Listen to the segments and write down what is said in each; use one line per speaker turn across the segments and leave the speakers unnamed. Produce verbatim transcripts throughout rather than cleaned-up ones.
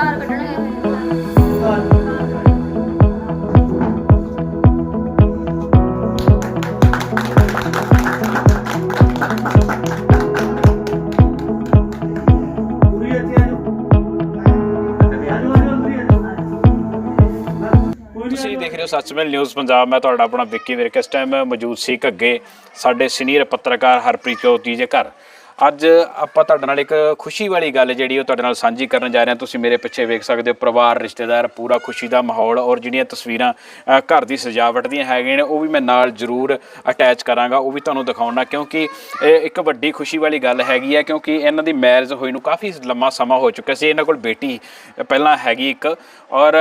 ਤੁਸੀਂ ਦੇਖ ਰਹੇ ਹੋ ਸੱਚਮੇਲ ਨਿਊਜ਼ ਪੰਜਾਬ। ਮੈਂ ਤੁਹਾਡਾ ਆਪਣਾ ਵਿੱਕੀ ਵਿਰਕ। ਇਸ ਟਾਈਮ ਮੌਜੂਦ ਸੀ ਘੱਗੇ ਸਾਡੇ ਸੀਨੀਅਰ ਪੱਤਰਕਾਰ ਹਰਪ੍ਰੀਤ ਕੌਰ ਜੀ ਦੇ ਘਰ। ਅੱਜ ਆਪਾਂ ਤੁਹਾਡੇ ਨਾਲ ਇੱਕ ਖੁਸ਼ੀ ਵਾਲੀ ਗੱਲ ਜਿਹੜੀ ਉਹ ਤੁਹਾਡੇ ਨਾਲ ਸਾਂਝੀ ਕਰਨ ਜਾ ਰਹੇ ਹਾਂ। ਤੁਸੀਂ ਮੇਰੇ ਪਿੱਛੇ ਵੇਖ ਸਕਦੇ ਹੋ ਪਰਿਵਾਰ, ਰਿਸ਼ਤੇਦਾਰ, ਪੂਰਾ ਖੁਸ਼ੀ ਦਾ ਮਾਹੌਲ। ਔਰ ਜਿਹੜੀਆਂ ਤਸਵੀਰਾਂ ਘਰ ਦੀ ਸਜਾਵਟ ਦੀਆਂ ਹੈਗੀਆਂ ਨੇ ਉਹ ਵੀ ਮੈਂ ਨਾਲ ਜ਼ਰੂਰ ਅਟੈਚ ਕਰਾਂਗਾ, ਉਹ ਵੀ ਤੁਹਾਨੂੰ ਦਿਖਾਉਣਾ, ਕਿਉਂਕਿ ਇਹ ਇੱਕ ਵੱਡੀ ਖੁਸ਼ੀ ਵਾਲੀ ਗੱਲ ਹੈਗੀ ਹੈ। ਕਿਉਂਕਿ ਇਹਨਾਂ ਦੀ ਮੈਰਿਜ ਹੋਈ ਨੂੰ ਕਾਫੀ ਲੰਮਾ ਸਮਾਂ ਹੋ ਚੁੱਕਿਆ ਸੀ। ਇਹਨਾਂ ਕੋਲ ਬੇਟੀ ਪਹਿਲਾਂ ਹੈਗੀ ਇੱਕ, ਔਰ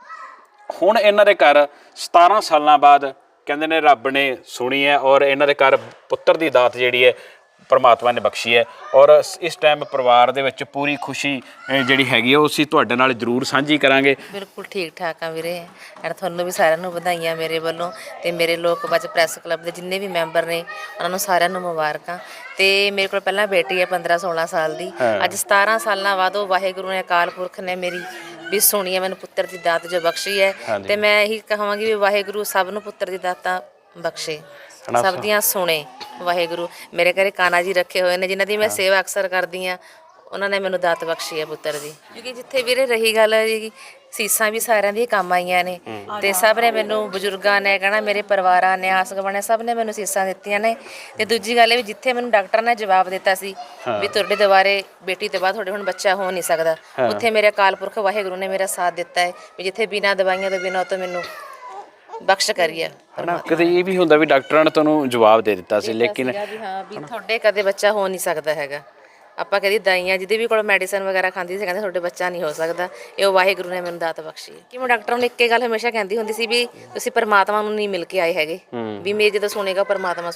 ਹੁਣ ਇਹਨਾਂ ਦੇ ਘਰ ਸਤਾਰਾਂ ਸਾਲਾਂ ਬਾਅਦ ਕਹਿੰਦੇ ਨੇ ਰੱਬ ਨੇ ਸੁਣੀ ਹੈ, ਔਰ ਇਹਨਾਂ ਦੇ ਘਰ ਪੁੱਤਰ ਦੀ ਦਾਤ ਜਿਹੜੀ ਹੈ ਪਰਮਾਤਮਾ ਨੇ ਬਖਸ਼ੀ ਹੈ। ਔਰ ਇਸ ਟਾਈਮ ਪਰਿਵਾਰ ਦੇ ਵਿੱਚ ਪੂਰੀ ਖੁਸ਼ੀ ਜਿਹੜੀ ਹੈਗੀ ਹੈ ਉਹ ਅਸੀਂ ਤੁਹਾਡੇ ਨਾਲ ਜ਼ਰੂਰ ਸਾਂਝੀ ਕਰਾਂਗੇ।
ਬਿਲਕੁਲ ਠੀਕ ਠਾਕ ਆ ਵੀਰੇ, ਐਂਡ ਤੁਹਾਨੂੰ ਵੀ ਸਾਰਿਆਂ ਨੂੰ ਵਧਾਈਆਂ ਮੇਰੇ ਵੱਲੋਂ, ਅਤੇ ਮੇਰੇ ਲੋਕ ਬਚ ਪ੍ਰੈਸ ਕਲੱਬ ਦੇ ਜਿੰਨੇ ਵੀ ਮੈਂਬਰ ਨੇ ਉਹਨਾਂ ਨੂੰ ਸਾਰਿਆਂ ਨੂੰ ਮੁਬਾਰਕਾਂ। ਅਤੇ ਮੇਰੇ ਕੋਲ ਪਹਿਲਾਂ ਬੇਟੀ ਹੈ ਪੰਦਰਾਂ ਸੋਲਾਂ ਸਾਲ ਦੀ, ਅੱਜ ਸਤਾਰਾਂ ਸਾਲਾਂ ਬਾਅਦ ਉਹ ਵਾਹਿਗੁਰੂ ਨੇ ਅਕਾਲ ਪੁਰਖ ਨੇ ਮੇਰੀ ਵੀ ਸੁਣੀ ਹੈ, ਮੈਨੂੰ ਪੁੱਤਰ ਦੀ ਦਾਤ ਜੋ ਬਖਸ਼ੀ ਹੈ। ਅਤੇ ਮੈਂ ਇਹੀ ਕਹਾਂਗੀ ਵੀ ਵਾਹਿਗੁਰੂ ਸਭ ਨੂੰ ਪੁੱਤਰ ਦੀ ਦਾਤਾਂ ਬਖਸ਼ੇ, ਸਭ ਦੀਆਂ ਸੁਣੇ ਵਾਹਿਗੁਰੂ। ਮੇਰੇ ਘਰੇ ਕਾਨਾ ਜੀ ਰੱਖੇ ਹੋਏ ਨੇ ਜਿਨ੍ਹਾਂ ਦੀ ਮੈਂ ਸੇਵਾ ਅਕਸਰ ਕਰਦੀ ਹਾਂ, ਉਹਨਾਂ ਨੇ ਮੈਨੂੰ ਦਾਤ ਬਖਸ਼ੀ ਹੈ ਪੁੱਤਰ ਦੀ। ਕਿਉਂਕਿ ਜਿੱਥੇ ਵੀਰੇ ਰਹੀ ਗੱਲ ਜੀ, ਸੀਸਾਂ ਵੀ ਸਾਰਿਆਂ ਦੀਆਂ ਕੰਮ ਆਈਆਂ ਨੇ, ਅਤੇ ਸਭ ਨੇ ਮੈਨੂੰ, ਬਜ਼ੁਰਗਾਂ ਨੇ ਕਹਿਣਾ, ਮੇਰੇ ਪਰਿਵਾਰਾਂ ਨੇ, ਆਸ ਗਵਾਣੇ ਸਭ ਨੇ ਮੈਨੂੰ ਸੀਸਾਂ ਦਿੱਤੀਆਂ ਨੇ। ਅਤੇ ਦੂਜੀ ਗੱਲ ਇਹ ਵੀ ਜਿੱਥੇ ਮੈਨੂੰ ਡਾਕਟਰ ਨੇ ਜਵਾਬ ਦਿੱਤਾ ਸੀ ਵੀ ਤੁਹਾਡੇ ਦੁਬਾਰੇ ਬੇਟੀ ਤੋਂ ਬਾਅਦ ਤੁਹਾਡੇ ਹੁਣ ਬੱਚਾ ਹੋ ਨਹੀਂ ਸਕਦਾ, ਉੱਥੇ ਮੇਰੇ ਅਕਾਲ ਪੁਰਖ ਵਾਹਿਗੁਰੂ ਨੇ ਮੇਰਾ ਸਾਥ ਦਿੱਤਾ ਹੈ ਵੀ ਜਿੱਥੇ ਬਿਨਾਂ ਦਵਾਈਆਂ ਤੋਂ ਬਿਨਾਂ ਤੋਂ ਮੈਨੂੰ ਬਖਸ਼ ਕਰੀਏ।
ਕਦੇ ਇਹ ਵੀ ਹੁੰਦਾ ਵੀ ਡਾਕਟਰਾਂ ਨੇ ਤੁਹਾਨੂੰ ਜਵਾਬ ਦੇ ਦਿੱਤਾ ਸੀ, ਲੇਕਿਨ
ਹਾਂ ਵੀ ਤੁਹਾਡੇ ਕਦੇ ਬੱਚਾ ਹੋ ਨਹੀਂ ਸਕਦਾ ਹੈਗਾ। ਆਪਾਂ ਕਦੀ ਦਾਈਆਂ ਜਿਹਦੇ ਵੀ ਕੋਲ ਮੈਡੀਸਨ ਵਗੈਰਾ ਖਾਂਦੀ ਸੀ, ਕਹਿੰਦੇ ਤੁਹਾਡੇ ਬੱਚਾ ਨਹੀਂ ਹੋ ਸਕਦਾ। ਇਹ ਉਹ ਵਾਹਿਗੁਰੂ ਨੇ ਮੈਨੂੰ ਦਾਤ ਬਖਸ਼ੀ ਹੈ। ਕਿ ਮੈਂ ਡਾਕਟਰਾਂ ਨੂੰ ਇੱਕੇ ਗੱਲ ਹਮੇਸ਼ਾ ਕਹਿੰਦੀ ਹੁੰਦੀ ਸੀ ਵੀ ਤੁਸੀਂ ਪਰਮਾਤਮਾ ਨੂੰ ਨਹੀਂ ਮਿਲ ਕੇ ਆਏ ਹੈਗੇ, ਵੀ ਮੇਰੇ ਜਦੋਂ ਸੁਣੇਗਾ ਪਰਮਾਤਮਾ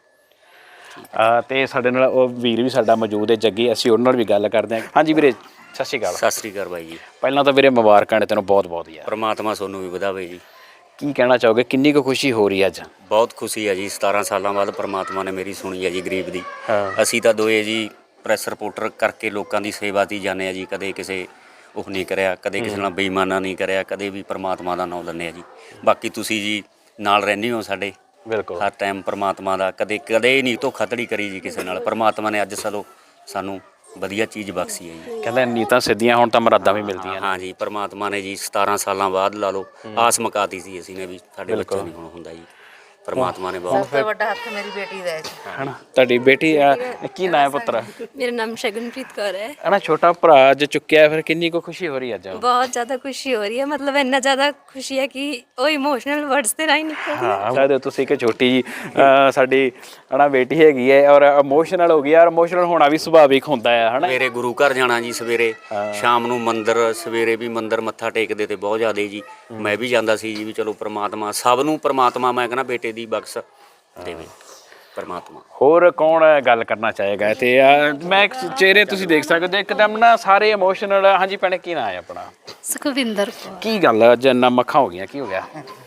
ਸੁਣੇਗਾ।
ਤੇ ਸਾਡੇ ਨਾਲ ਉਹ ਵੀਰ ਵੀ ਸਾਡਾ ਮੌਜੂਦ ਹੈ ਜੱਗੀ, ਅਸੀਂ ਉਹਨਾਂ ਨਾਲ ਵੀ ਗੱਲ ਕਰਦੇ ਹਾਂ। ਹਾਂਜੀ ਵੀਰੇ, ਸਤਿ ਸ਼੍ਰੀ ਅਕਾਲ।
ਸਤਿ ਸ਼੍ਰੀ ਅਕਾਲ ਬਾਈ ਜੀ।
ਪਹਿਲਾਂ ਤਾਂ ਵੀਰੇ ਮੁਬਾਰਕਾਂ ਨੇ ਤੈਨੂੰ ਬਹੁਤ ਬਹੁਤ ਯਾਰ।
ਪਰਮਾਤਮਾ ਤੁਹਾਨੂੰ ਵੀ ਵਧਾਵੇ ਜੀ।
ਕੀ ਕਹਿਣਾ ਚਾਹੋਗੇ, ਕਿੰਨੀ ਕੁ ਖੁਸ਼ੀ ਹੋ ਰਹੀ ਹੈ ਅੱਜ?
ਬਹੁਤ ਖੁਸ਼ੀ ਹੈ ਜੀ, ਸਤਾਰਾਂ ਸਾਲਾਂ ਬਾਅਦ ਪਰਮਾਤਮਾ ਨੇ ਮੇਰੀ ਸੁਣੀ ਹੈ ਜੀ, ਗਰੀਬ ਦੀ। ਅਸੀਂ ਤਾਂ ਦੋਏ ਜੀ ਪ੍ਰੈਸ ਰਿਪੋਰਟਰ ਕਰਕੇ ਲੋਕਾਂ ਦੀ ਸੇਵਾ 'ਤੇ ਜਾਂਦੇ ਹਾਂ ਜੀ, ਕਦੇ ਕਿਸੇ ਉਹ ਨਹੀਂ ਕਰਿਆ, ਕਦੇ ਕਿਸੇ ਨਾਲ ਬੇਈਮਾਨਾ ਨਹੀਂ ਕਰਿਆ, ਕਦੇ ਵੀ ਪਰਮਾਤਮਾ ਦਾ ਨਾਮ ਲੈਂਦੇ ਹਾਂ ਜੀ। ਬਾਕੀ ਤੁਸੀਂ ਜੀ ਨਾਲ ਰਹਿੰਦੇ ਹੋ ਸਾਡੇ,
ਬਿਲਕੁਲ
ਹਰ ਟਾਈਮ ਪਰਮਾਤਮਾ ਦਾ ਕਦੇ ਕਦੇ ਨਹੀਂ ਧੋਖਾਧੜੀ ਕਰੀ ਜੀ ਕਿਸੇ ਨਾਲ। ਪਰਮਾਤਮਾ ਨੇ ਅੱਜ ਸਲੋ ਸਾਨੂੰ ਵਧੀਆ ਚੀਜ਼ ਬਖਸ਼ੀ ਹੈ ਜੀ।
ਕਹਿੰਦੇ ਨੀਤਾਂ ਸਿੱਧੀਆਂ ਹੁਣ ਤਾਂ ਮੁਰਾਦਾਂ ਵੀ ਮਿਲਦੀਆਂ।
ਹਾਂ ਜੀ, ਪਰਮਾਤਮਾ ਨੇ ਜੀ ਸਤਾਰਾਂ ਸਾਲਾਂ ਬਾਅਦ ਲਾ ਲਓ ਆਸ ਮੁਕਾਤੀ ਸੀ ਅਸੀਂ ਨੇ ਵੀ ਸਾਡੇ ਬੱਚਾ ਨਹੀਂ ਹੁਣ ਹੁੰਦਾ ਜੀ। ਪਰਮਾਤਮਾ ਨੇ ਬਹੁਤ
ਸਭ ਤੋਂ ਵੱਡਾ ਹੱਥ ਮੇਰੀ ਬੇਟੀ ਦਾ ਹੈ ਜੀ।
ਹਨਾ ਤੁਹਾਡੀ ਬੇਟੀ ਕੀ ਨਾਂ ਹੈ ਪੁੱਤਰ?
ਮੇਰਾ ਨਾਮ ਸ਼ਗਨਪ੍ਰੀਤ ਕੌਰ ਹੈ।
ਹਨਾ ਛੋਟਾ ਭਰਾ ਅੱਜ ਚੁੱਕਿਆ, ਫਿਰ ਕਿੰਨੀ ਕੁ ਖੁਸ਼ੀ ਹੋ ਰਹੀ ਅੱਜ?
ਬਹੁਤ ਜ਼ਿਆਦਾ ਖੁਸ਼ੀ ਹੋ ਰਹੀ ਹੈ, ਮਤਲਬ ਇੰਨਾ ਜ਼ਿਆਦਾ ਖੁਸ਼ੀ ਹੈ ਕਿ ਉਹ ਇਮੋਸ਼ਨਲ ਵਰਡਸ ਤੇ ਰਾਹੀਂ ਨਿਕਲ।
ਹਾਂ ਸਾਡੇ ਤੁਸੀਂ ਇੱਕ ਛੋਟੀ ਜੀ ਸਾਡੀ ਹਨਾ ਬੇਟੀ ਹੈਗੀ ਹੈ, ਔਰ ਇਮੋਸ਼ਨਲ ਹੋ ਗਈ ਯਾਰ। ਇਮੋਸ਼ਨਲ ਹੋਣਾ ਵੀ ਸੁਭਾਵਿਕ ਹੁੰਦਾ ਹੈ ਹਨਾ।
ਮੇਰੇ ਗੁਰੂ ਘਰ ਜਾਣਾ ਜੀ, ਸਵੇਰੇ ਸ਼ਾਮ ਨੂੰ ਮੰਦਿਰ, ਸਵੇਰੇ ਵੀ ਮੰਦਿਰ ਮੱਥਾ ਟੇਕਦੇ ਤੇ ਬਹੁਤ ਜ਼ਿਆਦਾ ਜੀ। ਮੈਂ ਵੀ ਜਾਂਦਾ ਸੀ ਜੀ, ਵੀ ਚਲੋ ਪਰਮਾਤਮਾ ਸਭ ਨੂੰ, ਪਰਮਾਤਮਾ ਮੈਂ ਕਹਿੰਦਾ ਬੇਟੇ ਦੀ ਬਖਸ਼ ਦੇਵੇ ਪਰਮਾਤਮਾ।
ਹੋਰ ਕੌਣ ਗੱਲ ਕਰਨਾ ਚਾਹੇਗਾ? ਤੇ ਮੈਂ ਚਿਹਰੇ ਤੁਸੀਂ ਦੇਖ ਸਕਦੇ ਹੋ ਇੱਕਦਮ ਨਾ ਸਾਰੇ ਇਮੋਸ਼ਨਲ। ਹਾਂਜੀ ਭੈਣੇ, ਕੀ ਨਾਂ ਹੈ ਆਪਣਾ?
ਸੁਖਵਿੰਦਰ।
ਕੀ ਗੱਲ ਅੱਜ ਇੰਨਾ ਮੱਖਾਂ ਹੋ ਗਈਆਂ, ਕੀ ਹੋ ਗਿਆ?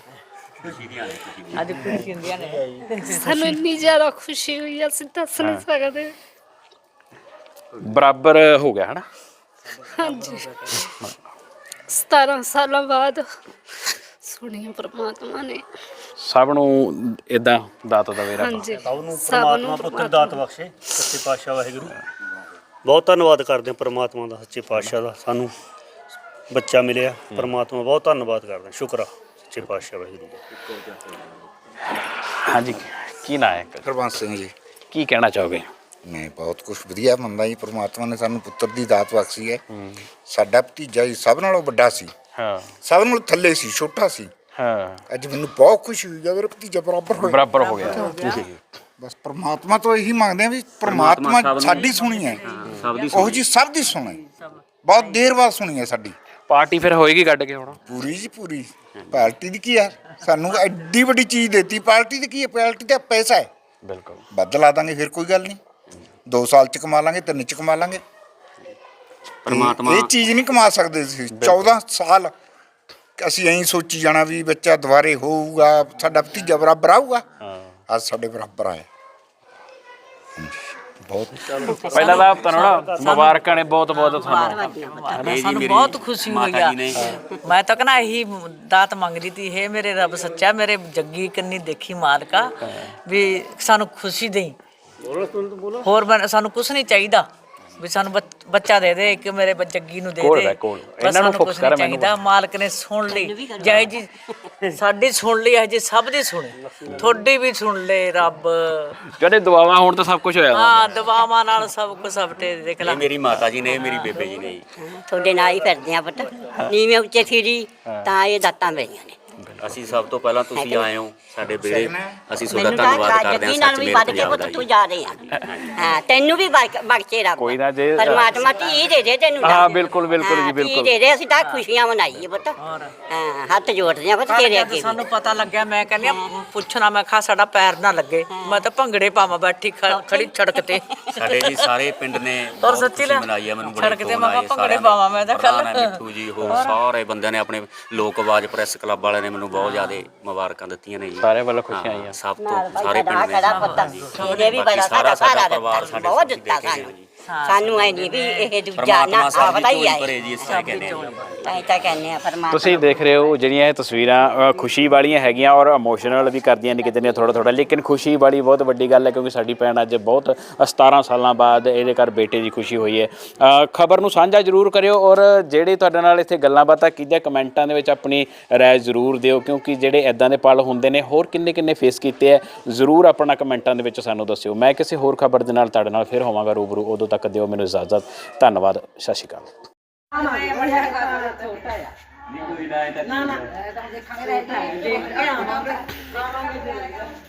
ਅੱਜ ਖੁਸ਼ੀ ਹੁੰਦੀਆਂ ਨੇ
ਸਾਨੂੰ ਇੰਨੀ ਜ਼ਿਆਦਾ ਖੁਸ਼ੀ ਹੋਈ, ਅਸੀਂ ਦੱਸ ਨਹੀਂ ਸਕਦੇ।
ਬਰਾਬਰ ਹੋ ਗਿਆ ਹਨਾ।
ਹਾਂਜੀ, ਸਤਾਰਾਂ ਸਾਲਾਂ ਬਾਅਦ ਸੁਣੀਆਂ ਪਰਮਾਤਮਾ ਨੇ।
ਸਭ ਨੂੰ ਇਦਾਂ ਦਾਤ ਦਵੇ ਰੱਬ।
ਹਾਂਜੀ,
ਸਭ ਨੂੰ ਪਰਮਾਤਮਾ ਪੁੱਤਰ ਦਾਤ ਬਖਸ਼ੇ, ਸੱਚੇ ਪਾਤਸ਼ਾਹ ਵਾਹਿਗੁਰੂ। ਬਹੁਤ ਧੰਨਵਾਦ ਕਰਦੇ ਹਾਂ ਪਰਮਾਤਮਾ ਦਾ, ਸੱਚੇ ਪਾਤਸ਼ਾਹ ਦਾ, ਸਾਨੂੰ ਬੱਚਾ ਮਿਲਿਆ। ਪਰਮਾਤਮਾ ਬਹੁਤ ਧੰਨਵਾਦ ਕਰਦਾ, ਸ਼ੁਕਰ ਆ ਸੱਚੇ ਪਾਤਸ਼ਾਹ ਵਾਹਿਗੁਰੂ ਦਾ।
ਹਾਂਜੀ, ਕੀ ਨਾਂ ਹੈ?
ਹਰਬੰਸ ਸਿੰਘ ਜੀ।
ਕੀ ਕਹਿਣਾ ਚਾਹੋਗੇ?
ਮੈਂ ਬਹੁਤ ਕੁਛ ਵਧੀਆ ਮੰਨਦਾ ਜੀ, ਪਰਮਾਤਮਾ ਨੇ ਸਾਨੂੰ ਪੁੱਤਰ ਦੀ ਦਾਤ ਬਖਸ਼ੀ ਹੈ। ਸਾਡਾ ਭਤੀਜਾ ਜੀ ਸਭ ਨਾਲੋਂ ਵੱਡਾ ਸੀ,
ਹਾਂ
ਸਭ ਨਾਲੋਂ ਥੱਲੇ ਸੀ, ਛੋਟਾ ਸੀ।
ਹਾਂ
ਅੱਜ ਮੈਨੂੰ ਬਹੁਤ ਖੁਸ਼ੀ ਹੋਈ ਹੈ, ਮੇਰਾ ਭਤੀਜਾ ਬਰਾਬਰ ਹੋ ਗਿਆ।
ਬਰਾਬਰ ਹੋ ਗਿਆ।
ਬਸ ਪਰਮਾਤਮਾ ਤੋਂ ਇਹੀ ਮੰਗਦੇ ਆ ਵੀ ਪਰਮਾਤਮਾ ਸਾਡੀ ਸੁਣੀ ਹੈ, ਉਹ ਜੀ ਸਭ ਦੀ ਸੁਣੇ, ਬਹੁਤ ਦੇਰ ਬਾਅਦ ਸੁਣੀ ਹੈ ਸਾਡੀ।
ਪਾਰਟੀ ਫਿਰ ਹੋਏਗੀ ਕੱਢ ਕੇ ਹੁਣ?
ਪੂਰੀ ਜੀ ਪੂਰੀ। ਪਾਰਟੀ ਦੀ ਕੀ ਆ, ਸਾਨੂੰ ਐਡੀ ਵੱਡੀ ਚੀਜ਼ ਦੇਤੀ। ਪਾਰਟੀ ਦੀ ਕੀ ਹੈ? ਪਾਰਟੀ ਦਾ ਪੈਸਾ ਹੈ,
ਬਿਲਕੁਲ
ਵੱਧ ਲਾ ਦਾਂਗੇ ਫਿਰ ਕੋਈ ਗੱਲ ਨਹੀਂ। ਦੋ ਸਾਲ ਚ ਕਮਾ ਲਾਂਗੇ, ਤਿੰਨ ਚ ਕਮਾ ਲਾਂਗੇ।
ਪਰਮਾਤਮਾ
ਇਹ ਚੀਜ਼ ਨਹੀਂ ਕਮਾ ਸਕਦੇ ਸੀ। ਚੌਦਾਂ ਸਾਲ ਅਸੀਂ ਐਂ ਸੋਚੀ ਜਾਣਾ ਵੀ ਬੱਚਾ ਦੁਬਾਰੇ ਹੋਊਗਾ, ਸਾਡਾ ਭਤੀਜਾ ਬਰਾਬਰ ਆਊਗਾ। ਅੱਜ ਸਾਡੇ ਬਰਾਬਰ ਆਇਆ। ਬਹੁਤ
ਪਹਿਲਾਂ ਤਾਂ ਤੁਹਾਨੂੰ ਨਾ ਮੁਬਾਰਕਾਂ ਨੇ ਬਹੁਤ ਬਹੁਤ ਤੁਹਾਨੂੰ।
ਸਾਨੂੰ ਬਹੁਤ ਖੁਸ਼ੀ ਹੋਈ ਆ। ਮੈਂ ਤਾਂ ਕਹਿੰਦਾ ਇਹੀ ਦਾਤ ਮੰਗਦੀ ਤੀ, ਇਹ ਮੇਰੇ ਰੱਬ ਸੱਚਾ, ਮੇਰੇ ਜੱਗੀ ਕੰਨੀ ਦੇਖੀ ਮਾਲਕਾ ਵੀ ਸਾਨੂੰ ਖੁਸ਼ੀ ਦੇਈ, ਹੋਰ ਬਣ- ਸਾਨੂੰ ਕੁਛ ਨਹੀਂ ਚਾਹੀਦਾ ਵੀ ਸਾਨੂੰ ਬੱਚ- ਬੱਚਾ ਦੇ ਦੇ, ਇੱਕ ਮੇਰੇ ਬ- ਜੱਗੀ ਨੂੰ ਦੇ
ਕੋਲ
ਦੇ,
ਹੈ, ਕੋਲ।
ਬਸ
ਇਹਨਾਂ ਨੂੰ
ਸਾਨੂੰ
ਫੋਕਸ
ਕੁਛ
ਕਰ,
ਨਹੀਂ
ਮੈਨੂੰ
ਚਾਹੀਦਾ। ਮਾਲਕ ਨੇ ਸੁਣ ਲਈ, ਜੈ ਜੀ ਸਾਡੀ ਸੁਣ ਲਈ, ਅਜੇ ਸਭ ਦੀ ਸੁਣੀ, ਤੁਹਾਡੀ ਵੀ ਸੁਣ ਲੈ ਰੱਬ।
ਜਿਹੜੇ ਦੁਆਵਾਂ ਹੋਣ ਤਾਂ ਸਭ ਕੁਝ ਹੋਇਆ ਹੁੰਦਾ।
ਹਾਂ ਦੁਆਵਾਂ ਨਾਲ ਸਭ ਕੁਝ ਸਭਟੇ ਦੇਖ ਲੈ।
ਇਹ ਮੇਰੀ ਮਾਤਾ ਜੀ ਨੇ, ਇਹ ਮੇਰੀ ਬੇਬੇ ਜੀ ਨੇ ਜੀ।
ਤੁਹਾਡੇ ਨਾਲ ਹੀ ਫਿਰਦੇ ਆ ਪੁੱਤ, ਨੀਵੇਂ ਉੱਚੇ ਫਿਰੀ ਤਾਂ ਇਹ ਦਾਤਾਂ ਮਿਲੀਆਂ ਨੇ।
ਅਸੀਂ ਸਭ ਤੋਂ ਪਹਿਲਾਂ ਤੁਸੀਂ ਆਏ ਹੋ ਸਾਡੇ ਬੇੜੇ, ਅਸੀਂ ਤੁਹਾਡਾ
ਮੈਨੂੰ ਤਾਂ
ਧੰਨਵਾਦ ਕਰਦੇ ਹਾਂ।
ਜੱਗੀ ਨਾਲ
ਸੱਚ
ਵੀ
ਮੇਰੇ
ਵੱਧ ਕੇ
ਪੰਜਾਬ
ਪੁੱਤ
ਦਾ
ਤੂੰ
ਜੀ।
ਜਾ ਰਹੇ ਆ। ਹਾਂ ਤੈਨੂੰ ਵੀ ਬਖ- ਬਖਸ਼ੇ ਰੱਬ।
ਕੋਈ ਨਾ ਜੇ-
ਪਰਮਾਤਮਾ ਧੀ ਦੇ ਦੇ ਤੈਨੂੰ।
ਹਾਂ,
ਤਾਂ।
ਬਿਲਕੁਲ, ਬਿਲਕੁਲ ਜੀ,
ਹਾਂ, ਧੀ
ਬਿਲਕੁਲ।
ਦੇ ਦੇ, ਅਸੀਂ ਤਾਂ ਖੁਸ਼ੀਆਂ ਮਨਾਈਏ ਪੁੱਤ। ਹਾਂ ਹੱਥ ਜੋੜਦੇ ਆ ਪੁੱਤ
ਕੱਲ੍ਹ
ਤੇਰੇ
ਜਦ
ਅੱਗੇ ਵੀ।
ਸਾਨੂੰ ਪਤਾ ਲੱਗਿਆ, ਮੈਂ ਕਹਿੰਦੀ ਆ ਪੁੱਛਣਾ, ਮੈਂ ਕਿਹਾ ਸਾਡਾ ਪੈਰ ਨਾ ਲੱਗੇ, ਮੈਂ ਤਾਂ ਭੰਗੜੇ ਪਾਵਾਂ ਬੈਠੀ ਖ- ਖੜੀ ਸੜਕ ਤੇ।
ਸਾਡੇ ਜੀ ਸਾਰੇ ਪਿੰਡ ਨੇ
ਔਰ
ਬਹੁਤ
ਸੱਚੀ
ਖੁਸ਼ੀ
ਲੈ,
ਮਨਾਈ ਆ। ਮੈਨੂੰ ਬੜੇ
ਸੜਕ ਤੇ
ਫੋਨ
ਮੈਂ
ਆਏ
ਭੰਗੜੇ
ਸਾਰਿਆਂ
ਪਾਵਾਂ, ਮੈਂ ਤਾਂ ਕੱਲ੍ਹ।
ਪ੍ਰਧਾਨ ਹੈ ਮਿੱਠੂ ਜੀ, ਹੋਰ ਸਾਰੇ ਬੰਦਿਆਂ ਨੇ, ਆਪਣੇ ਲੋਕ ਆਵਾਜ਼ ਪ੍ਰੈਸ ਕਲੱਬ ਵਾਲਿਆਂ ਨੇ ਮੈਨੂੰ ਬਹੁਤ ਜ਼ਿਆਦਾ ਮੁਬਾਰਕਾਂ ਦਿੱਤੀਆਂ ਨੇ ਜੀ।
ਸਾਰਿਆਂ ਵੱਲੋਂ ਖੁਸ਼ੀਆਂ ਆਈਆਂ।
ਸਭ ਤੋਂ
ਨਾਲ ਭਾਈ
ਸਾਰੇ
ਸਾਡਾ
ਪਿੰਡ ਨੇ
ਖੜਾ ਪੁੱਤ, ਇਹਨੇ ਵੀ
ਬਾਕੀ
ਬੜਾ
ਸਾਰਾ
ਸਾਡਾ
ਸਾਡਾ
ਸਾਰਾ
ਪਰਿਵਾਰ
ਦਿੱਤਾ,
ਸਾਡੇ
ਬਹੁਤ
ਸਾਥੀ
ਦਿੱਤਾ
ਦੇ ਕੇ
ਸਾਨੂੰ।
ਜੀ।
ਸਾਨੂੰ ਐ ਨਹੀਂ ਵੀ ਇਹ ਦੂਜਾ ਨਾ
ਪਰਮਾਤਮਾ ਸਭ
ਆਪਦਾ
ਦੀ
ਹੀ
ਝੋਲੀ
ਆਏ।
ਭਰੇ ਜੀ, ਇਸ ਤਰ੍ਹਾਂ ਕਹਿੰਦੇ ਆ।
ਤਾਂ ਤਾਂ ਕਹਿੰਦੇ ਆ ਪਰਮਾਤਮਾ।
ਤੁਸੀਂ ਦੇਖ ਰਹੇ ਹੋ ਜਿਹੜੀਆਂ ਇਹ ਤਸਵੀਰਾਂ ਅ, ਖੁਸ਼ੀ ਵਾਲੀਆਂ ਹੈਗੀਆਂ ਔਰ ਇਮੋਸ਼ਨਲ ਵੀ ਕਰਦੀਆਂ ਨੇ ਕਿਤੇ ਨਾ ਥੋੜਾ ਥੋੜਾ, ਲੇਕਿਨ ਖੁਸ਼ੀ ਵਾਲੀ ਬਹੁਤ ਵੱਡੀ ਗੱਲ ਹੈ ਕਿਉਂਕਿ ਸਾਡੀ ਭੈਣ ਅੱਜ ਬਹੁਤ ਸਤਾਰਾਂ ਸਾਲਾਂ ਬਾਅਦ ਇਹਦੇ ਘਰ ਬੇਟੇ ਦੀ ਖੁਸ਼ੀ ਹੋਈ ਹੈ। ਖਬਰ ਨੂੰ ਸਾਂਝਾ ਜ਼ਰੂਰ ਕਰਿਓ ਔਰ ਜਿਹੜੇ ਤੁਹਾਡੇ ਨਾਲ ਇੱਥੇ ਗੱਲਾਂ ਬਾਤਾਂ ਕੀਤੀਆਂ ਕਮੈਂਟਾਂ ਦੇ ਵਿੱਚ ਆਪਣੀ ਰਾਏ ਜ਼ਰੂਰ ਦਿਓ, ਕਿਉਂਕਿ ਜਿਹੜੇ ਇਦਾਂ ਦੇ ਪਲ ਹੁੰਦੇ ਨੇ ਹੋਰ ਕਿੰਨੇ ਕਿੰਨੇ ਫੇਸ ਕੀਤੇ ਹੈ, ਜ਼ਰੂਰ ਆਪਣਾ ਕਮੈਂਟਾਂ ਦੇ ਵਿੱਚ ਸਾਨੂੰ ਦੱਸਿਓ। ਮੈਂ ਕਿਸੇ ਹੋਰ ਖਬਰ ਦੇ ਨਾਲ ਤੁਹਾਡੇ ਨਾਲ ਫਿਰ ਹੋਵਾਂਗਾ ਰੂਬਰੂ, ਉਦੋਂ ਤੱਕ ਦਿਓ ਮੈਨੂੰ ਇਜਾਜ਼ਤ। ਧੰਨਵਾਦ, ਸਤਿ ਸ਼੍ਰੀ ਅਕਾਲ।
ਨਾ ਨਾ